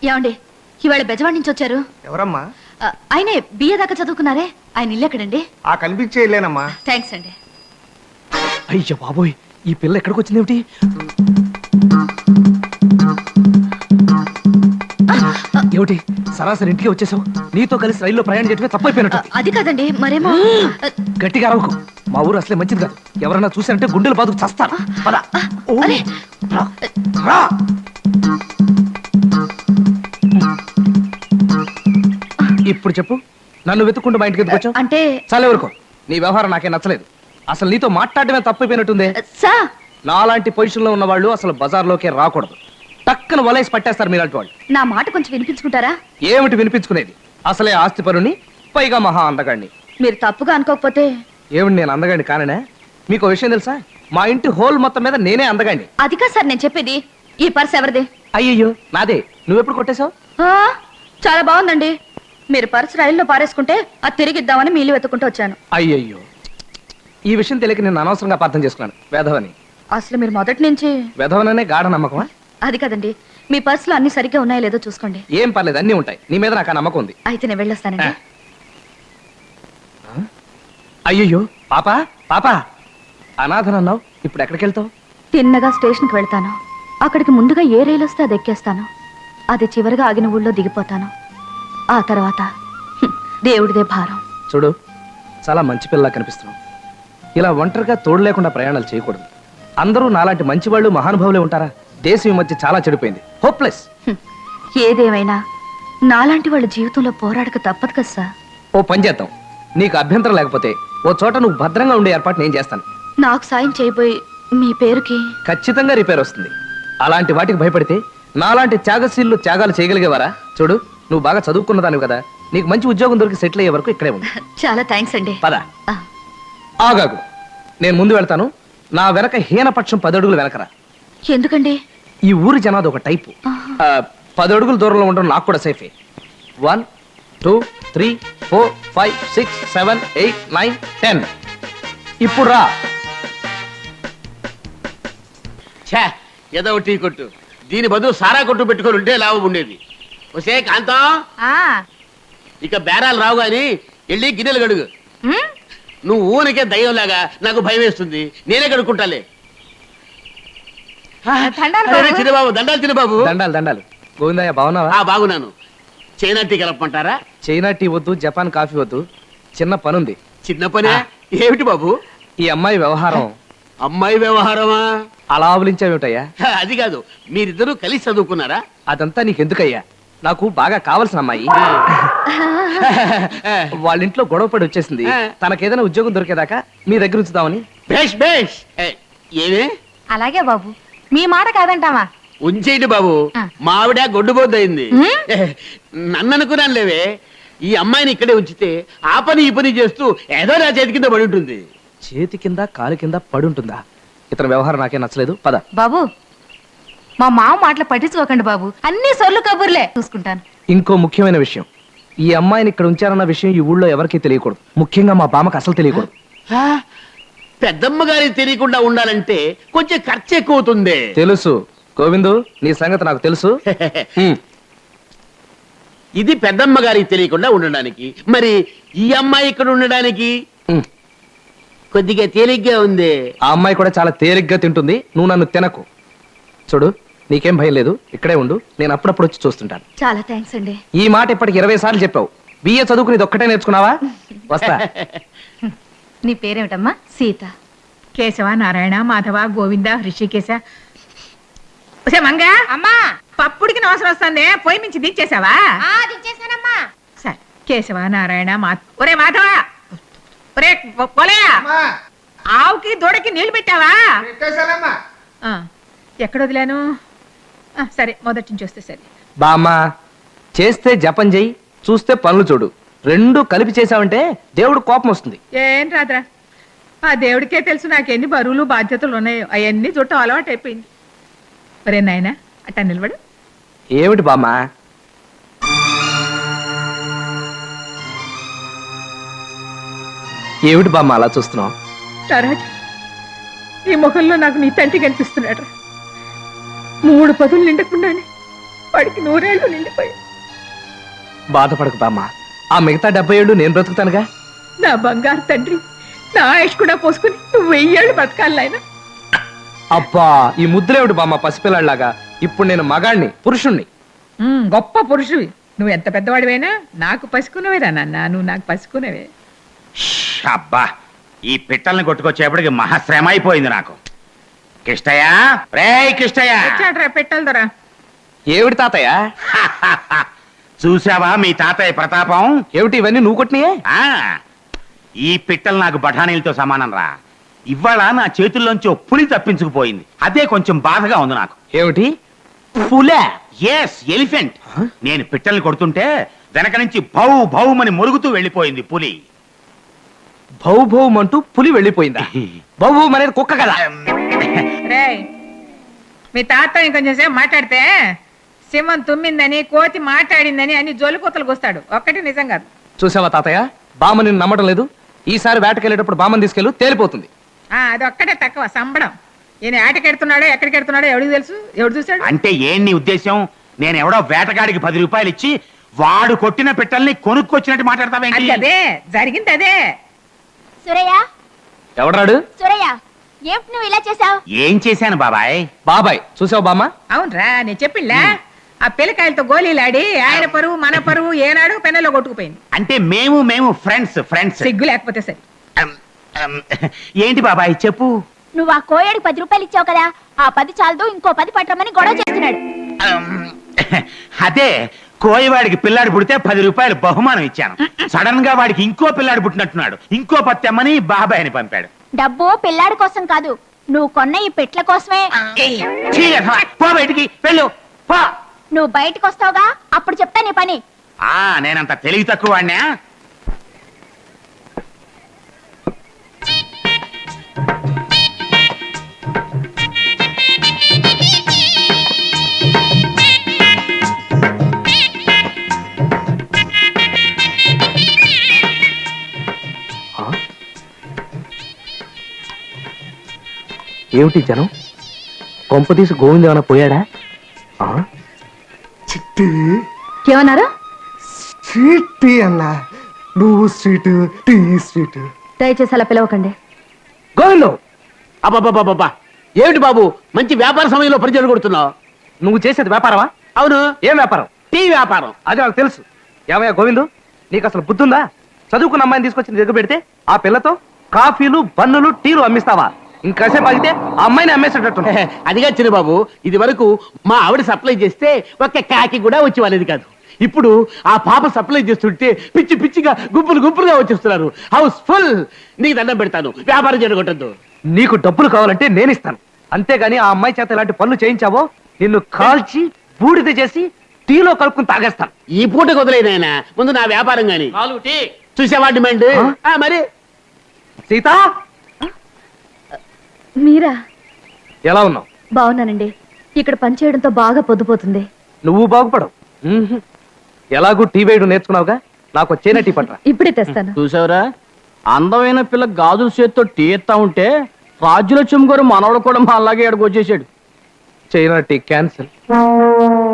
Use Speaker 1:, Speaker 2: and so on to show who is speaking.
Speaker 1: ఏమండి ఇవాళ బెజవాడి నుంచి వచ్చారు?
Speaker 2: ఎవరమ్మా?
Speaker 1: ఆయనే బిఏ దాకా చదువుకున్నారే, ఆయన ఇల్లు ఎక్కడండి?
Speaker 2: ఆ కనిపించే ఇల్లేనమ్మా.
Speaker 1: థ్యాంక్స్ అండి.
Speaker 3: అయ్యో బాబోయ్, ఈ పిల్ల ఎక్కడికి వచ్చింది ఏమిటి? ఏమిటి సరాసరి ఇంటికి వచ్చేసావు? నీతో కలిసి రైల్లో ప్రయాణం చేయటమే తప్పైపోయినట్టు.
Speaker 1: అది కాదండి, మరేమో.
Speaker 3: గట్టిగా అరవకు, మా ఊరు అసలే మంచిది కాదు. ఎవరన్నా చూసారంటే గుండెలు బాదుకు చస్తారు. పద. ఓ, రా, రా. ఇప్పుడు చెప్పు, నన్ను వెతుక్కుంటూ మా ఇంటికి ఎందుకు వచ్చావు?
Speaker 1: అంటే
Speaker 3: చాలా వరకు నీ వ్యవహారం నాకే నచ్చలేదు. అసలు నీతో మాట్లాడటమే తప్పైపోయినట్టుంది.
Speaker 1: సా
Speaker 3: నాలాంటి పొజిషన్ లో ఉన్న వాళ్ళు అసలు బజార్లోకే రాకూడదు. టక్కన వలేసి పట్టేస్తారు మీలాంటి వాళ్ళు.
Speaker 1: నా మాట కొంచెం వినిపించుకుంటారా?
Speaker 3: ఏమిటి వినిపించుకునేది? అసలే ఆస్తి పరుని, పైగా మహా అందగాడిని.
Speaker 1: మీరు తప్పుగా అనుకోకపోతే.
Speaker 3: ఏమిటి నేను అందగాడిని కాననే? మీకు విషయం తెలుసా? మా ఇంటి హోల్ మొత్తం మీద నేనే అందగాడిని.
Speaker 1: అది కాదు సార్ నేను చెప్పేది. ఈ పర్స్ ఎవరిది?
Speaker 3: అయ్యయ్యో నాదే. నువ్వెప్పుడు కొట్టేశావు?
Speaker 1: చాలా బాగుందండి. మీరు పర్స్ రైల్లో పారేసుకుంటే అది తిరిగిద్దామని మీ ఇల్లు వెతుక్కుంటూ వచ్చాను.
Speaker 3: అయ్యయ్యో, ఈ విషయం తెలియక నేను అనవసరంగా అపార్థం చేసుకున్నాను. వెధవని.
Speaker 1: అసలు మీరు మొదటి నుంచి
Speaker 3: వెధవననే గాఢ నమ్మకమా?
Speaker 1: అది కదండి, మీ పర్సులో అన్ని సరిగ్గా ఉన్నాయో లేదో చూసుకోండి.
Speaker 3: ఏం పర్లేదు, అన్నీ ఉంటాయి. నీ మీద నాకు ఆ నమ్మకం ఉంది.
Speaker 1: అయితే నేను వెళ్ళొస్తానండి.
Speaker 3: అయ్యయ్యో పాపా, పాపా అనాథనన్నావు, ఇప్పుడు ఎక్కడికి వెళ్తావు?
Speaker 1: తిన్నగా స్టేషన్కి వెళ్తాను. అక్కడికి ముందుగా ఏ రైలు వస్తే అది ఎక్కేస్తాను. అది చివరిగా ఆగిన ఊళ్ళో దిగిపోతాను. ఆ తర్వాత దేవుడిదే భారం.
Speaker 3: చూడు, చాలా మంచి పిల్లలా కనిపిస్తున్నావు. ఇలా ఒంటరిగా తోడు లేకుండా ప్రయాణాలు చేయకూడదు. అందరూ నాలాంటి మంచివాళ్ళు మహానుభావులే ఉంటారా? దేశం ఈ మధ్య చాలా చెడిపోయింది. హోప్లెస్.
Speaker 1: ఏదేమైనా నాలాంటి వాళ్ళ జీవితంలో పోరాడక తప్పదు కదా సార్.
Speaker 3: ఓ పని చేద్దాం, నీకు అభ్యంతరం లేకపోతే ఓ చోట నువ్వు భద్రంగా ఉండే ఏర్పాటు నేను చేస్తాను.
Speaker 1: నాకు సాయం చేయబోయి మీ పేరుకి
Speaker 3: ఖచ్చితంగా రిపేర్ వస్తుంది. అలాంటి వాటికి భయపడితే నాలాంటి త్యాగశీలు త్యాగాలు చేయగలిగేవారా? చూడు, నువ్వు బాగా చదువుకున్నదానివి కదా, నీకు మంచి ఉద్యోగం దొరికి సెటిల్ అయ్యే వరకు ఇక్కడే ఉంది.
Speaker 1: చాలా థ్యాంక్స్ అండి.
Speaker 3: పద. ఆగాగు, నేను ముందు వెళ్తాను. నా వెనక హీనపక్షం 10 అడుగులు వెనకరా.
Speaker 1: ఎందుకండి?
Speaker 3: ఈ ఊరి జనాది ఒక టైపు. 10 అడుగుల దూరంలో ఉండడం నాకు కూడా సేఫే. 1 2 3 4 5 6 7 8 9 10. ఇప్పుడు రా.
Speaker 4: ఏదో టీ కొట్టు, దీని బదులు సారా కొట్టు పెట్టుకొని ఉంటే లాభం ఉండేది. వసే కాంతం, ఇక బేరాలు రావు గాని వెళ్ళి గిన్నెలు గడుగు. నువ్వు ఊనికే దయ్యంలాగా నాకు భయం వేస్తుంది. నేనే కడుక్కుంటాలే. చిన్నబాబు దండాలు. చిన్నబాబు
Speaker 3: దండాలు దండాలు. గోవిందయ్య బాగున్నావా?
Speaker 4: బాగున్నాను. చైనా టీ కలపమంటారా?
Speaker 3: చైనా టీ వద్దు, జపాన్ కాఫీ వద్దు. చిన్న పనుంది.
Speaker 4: చిన్న పనే ఏమిటి బాబు?
Speaker 3: ఈ అమ్మాయి వ్యవహారం.
Speaker 4: అమ్మాయి వ్యవహారమా?
Speaker 3: అలా ఆవులించావేమిటయ్యా?
Speaker 4: అది కాదు, మీరిద్దరూ కలిసి చదువుకున్నారా?
Speaker 3: అదంతా నీకెందుకయ్యా? నాకు బాగా కావలసిన అమ్మాయి. వాళ్ళ ఇంట్లో గొడవ పడి వచ్చేసింది. తనకేదైనా ఉద్యోగం దొరికేదాకా మీ దగ్గర ఉంచుదామని.
Speaker 4: బేష్ బేష్. ఏమే?
Speaker 1: అలాగే బాబు, మీ మాట కాదంటావా?
Speaker 4: ఉంచేయండి బాబు. మావిడ గొడ్డుబోద్దయింది. నన్ను అనుకున్నాను లేవే. ఈ అమ్మాయిని ఇక్కడే ఉంచితే ఆ పని ఈ పని చేస్తూ ఏదో నా చేతి కింద పడి ఉంటుంది.
Speaker 3: చేతి కింద కాలు కింద పడుంటుందా? ఇతని వ్యవహారం నాకే నచ్చలేదు. పద.
Speaker 1: బాబు, మా మామ మాటలు పట్టించుకోకండి బాబు. అన్ని సొల్లు కబుర్లే, చూసుకుంటాను.
Speaker 3: ఇంకో ముఖ్యమైన విషయం, ఈ అమ్మాయిని ఇక్కడ ఉంచారన్న విషయం ఈ ఊళ్ళో ఎవరికీ తెలియకూడదు. ముఖ్యంగా మా బామ్మకు అసలు తెలియకూడదు.
Speaker 4: పెద్దమ్మ గారికి తెలియకుండా ఉండాలంటే కొంచెం ఖర్చు ఎక్కువ అవుతుంది.
Speaker 3: తెలుసు గోవిందు, నీ సంగతి నాకు తెలుసు.
Speaker 4: ఇది పెద్దమ్మ గారికి తెలియకుండా ఉండడానికి, మరి ఈ అమ్మాయి ఇక్కడ ఉండడానికి కొద్దిగా తేలిగ్గా ఉంది.
Speaker 3: ఆ అమ్మాయి కూడా చాలా తేలిగ్గా తింటుంది. నువ్వు నన్ను తినకు. చూడు, నీకేం భయం లేదు, ఇక్కడే ఉండు. నేను అప్పుడప్పుడు వచ్చి చూస్తుంటాను.
Speaker 1: చాలా థ్యాంక్స్ అండి.
Speaker 3: ఈ మాట ఇప్పటికి 20 సార్లు చెప్పావు. బిఏ చదువుకుని ఇది ఒక్కటే నేర్చుకున్నావా? వస్తా.
Speaker 1: నీ పేరేమిటమ్మా? సీత.
Speaker 5: కేశవ, నారాయణ, మాధవ, గోవింద, హృషికేశ. మంగ అమ్మా, పప్పుడికి అవసరం వస్తుంది. పొయ్యి నుంచి దించేసావా?
Speaker 1: దించేసానమ్మా.
Speaker 5: సరే, కేశవ, నారాయణ, ఒరే మాధవ, ఒరే పోలేయా, ఆవుకి దూడకి నీళ్లు పెట్టావా? ఎక్కడ వదిలాను? సరే, మొదటి నుంచి వస్తే సరే.
Speaker 3: బామ్మ, చేస్తే జపం చెయ్యి, చూస్తే పనులు చూడు. రెండు కలిపి చేసావంటే దేవుడు కోపం వస్తుంది.
Speaker 5: ఏం రాదురా, ఆ దేవుడికే తెలుసు నాకెన్ని బరువులు బాధ్యతలు ఉన్నాయో. అవన్నీ చుట్టం అలవాటు అయిపోయింది. ఒరే నాయనా, అట్టా నిలబడు.
Speaker 3: ఏమిటి బామ్మ? ఏమిటి బామ్మ అలా చూస్తున్నావు?
Speaker 5: రారాజు, ఈ ముఖంలో నాకు నీ తండ్రి కనిపిస్తున్నాడు. 3 పదులు నిండకుండానే వాడికి 100 ఏళ్ళు నిండిపోయి.
Speaker 3: బాధపడకు బామ్మ, ఆ మిగతా 70 ఏళ్ళు నేను బ్రతుకుతానుగా.
Speaker 5: నా బంగారు తండ్రి, నా ఆయుష్ కూడా పోసుకుని నువ్వు 1000 ఏళ్ళు బతకాలి నాయనా.
Speaker 3: అబ్బా, ఈ ముద్దులేవిడు బామ్మ పసిపిల్లాడిలాగా. ఇప్పుడు నేను మగాణ్ణి, పురుషుణ్ణి.
Speaker 5: గొప్ప పురుషువి. నువ్వు ఎంత పెద్దవాడివైనా నాకు పసుకున్నవేరా నాన్న, నువ్వు నాకు పసుకున్నవే.
Speaker 2: అబ్బా, ఈ పిట్టల్ని కొట్టుకొచ్చేపటికి మహాశ్రమ అయిపోయింది నాకు. కిష్టయ్య, రే కిష్టయ్య,
Speaker 5: వచ్చాడ్రా పెట్టాలి దొరా.
Speaker 3: ఏమిటి తాతయ్య?
Speaker 2: చూసావా మీ తాతయ్య ప్రతాపం?
Speaker 3: ఏమిటి ఇవన్నీ నువ్వు కొట్టినాయే?
Speaker 2: ఆ ఈ పిట్టలు నాకు బఠానీలతో సమానం రా. ఇవాళ నా చేతుల్లోంచి ఓ పులి తప్పించుకుపోయింది. అదే కొంచెం బాధగా ఉంది నాకు.
Speaker 3: ఏమిటి? పులే?
Speaker 2: Yes, elephant. నేను పిట్టల్ని కొడుతుంటే వెనక నుంచి భౌ భౌమని మురుగుతూ వెళ్ళిపోయింది పులి.
Speaker 3: భౌ భౌం అంటూ పులి వెళ్ళిపోయిందా? భౌ భౌం అనేది కుక్క కదా.
Speaker 5: రేయ్, మీ తాత ఇంకొంచెం సేపు మాట్లాడితే సింహం తుమ్మిందని, కోతి మాట్లాడిందని అని జోలికూతలకు వస్తాడు. ఒక్కటి నిజం కాదు.
Speaker 3: చూసావా తాతయ్య, బామ్మ నిన్ను నమ్మటం లేదు. ఈసారి వేటకెళ్ళేటప్పుడు బామ్మని తీసుకెళ్ళు, తేలిపోతుంది.
Speaker 5: అది ఒక్కటే తక్కువ సంబడం. ఈయన ఆటకెడుతున్నాడో ఎక్కడికి ఎడుతున్నాడో ఎవడికి తెలుసు? ఎవడు చూశాడు?
Speaker 2: అంటే ఏం నీ ఉద్దేశం? నేను ఎవడో వేటగాడికి 10 రూపాయలు ఇచ్చి వాడు కొట్టిన పిట్టల్ని కొనుక్కొచ్చినట్టు మాట్లాడతావేంటి?
Speaker 5: అది అదే జరిగింది. అదే
Speaker 6: సురయ్య,
Speaker 3: ఎవడాడు?
Speaker 6: సురయ్య, ఏమిటి నువ్వు ఇలా చేసావు?
Speaker 2: ఏం చేశాను బాబాయ్?
Speaker 3: బాబాయ్, చూసావు బామ్మ?
Speaker 5: అవునరా, నేను చెప్పిళ్ళా ఆ పిల్లకాయలతో గోళీలాడి ఆయన పరువు మన పరువు ఏనాడు పెన్నెలో కొట్టుకుపోయింది.
Speaker 2: అంటే మేము ఫ్రెండ్స్ ఫ్రెండ్స్.
Speaker 5: సిగ్గు లేకపోతే సరే.
Speaker 2: ఏంటి బాబాయ్ చెప్పు.
Speaker 6: నువ్వు ఆ కోయడికి 10 రూపాయలు ఇచ్చావు కదా, ఆ 10 చాలదు ఇంకో 10 పట్టమని గొడవ చేస్తున్నాడు.
Speaker 2: అదే కోయవాడికి పిల్లాడు పుడితే 10 రూపాయలు బహుమానం ఇచ్చాను. సడన్ గా వాడికి ఇంకో పిల్లాడు పుట్టినట్టున్నాడు. ఇంకో పత్తెమ్మని బాబాయ్ని పంపాడు.
Speaker 6: డబ్బు పిల్లాడి కోసం కాదు, నువ్వు కొన్న ఈ పెట్ల కోసమే.
Speaker 2: ఛీ, పో బయటికి వెళ్ళు పో.
Speaker 6: నువ్వు బయటకు వస్తావుగా, అప్పుడు చెప్తా నీ పని.
Speaker 2: నేనంత తెలివి తక్కువ వాడినా?
Speaker 3: ఏమిటి జనం? కొంప తీసి గోవింద ఏమైనా పోయాడా?
Speaker 7: చిట్టి
Speaker 1: ఏమన్నారు?
Speaker 7: స్ట్రీట్ టీ అన్నా. నువ్వు స్ట్రీట్, టీ స్ట్రీట్.
Speaker 1: దయచేసి అలా పిలవకండి.
Speaker 3: గోవిందు,
Speaker 4: అబ్బాబాబాబా, ఏమిటి బాబు మంచి వ్యాపార సమయంలో పరిచయం కొడుతున్నావు?
Speaker 3: నువ్వు చేసేది వ్యాపారమా?
Speaker 4: అవును,
Speaker 3: ఏం వ్యాపారం?
Speaker 4: టీ వ్యాపారం.
Speaker 3: అది నాకు తెలుసు. ఏమయ్యా గోవిందు, నీకు అసలు బుద్ధుందా? చదువుకున్న అమ్మాయిని తీసుకొచ్చి దగ్గర పెడితే ఆ పిల్లతో కాఫీలు, బన్నులు, టీలు అమ్మిస్తావా? ఇంకాసేపు ఆగితే ఆ అమ్మాయిని అమ్మేసేటట్టు.
Speaker 4: అదిగా చిన్న బాబు, ఇది వరకు మా ఆవిడ సప్లై చేస్తే ఒక్క కాకి కూడా వచ్చి వాళ్ళది కాదు. ఇప్పుడు ఆ పాప సప్లై చేస్తుంటే పిచ్చి పిచ్చిగా గుంపులుగా వచ్చేస్తున్నారు. House full. నీకు దండం పెడతాను, వ్యాపారం జరగొట్టద్దు.
Speaker 3: నీకు డబ్బులు కావాలంటే నేను ఇస్తాను. అంతేగాని ఆ అమ్మాయి చేత ఇలాంటి పనులు చేయించావో నిన్ను కాల్చి బూడిద చేసి టీలో కలుపుకుని తాగేస్తాను.
Speaker 4: ఈ పూట కుదలేనాయన, ముందు నా వ్యాపారం గాని చూసేవా డిమాండ్. మరి
Speaker 3: సీత,
Speaker 1: మీరా?
Speaker 3: ఎలా ఉన్నావు?
Speaker 1: బాగున్నానండి. ఇక్కడ పని చేయడంతో బాగా పొద్దుపోతుంది.
Speaker 3: నువ్వు బాగుపడవు. ఎలాగూ టీ వేయడం నేర్చుకున్నావుగా, నాకు వచ్చేనా టీ పట్రా.
Speaker 1: ఇప్పుడే తెస్తాను.
Speaker 8: చూసావురా, అందమైన పిల్ల గాజుల చేత్తో టీ ఎత్తా ఉంటే రాజ్యలక్ష్మి గారు మనవడు కూడా మా అలాగే ఎడకొచ్చేసాడు.
Speaker 3: China tea cancel.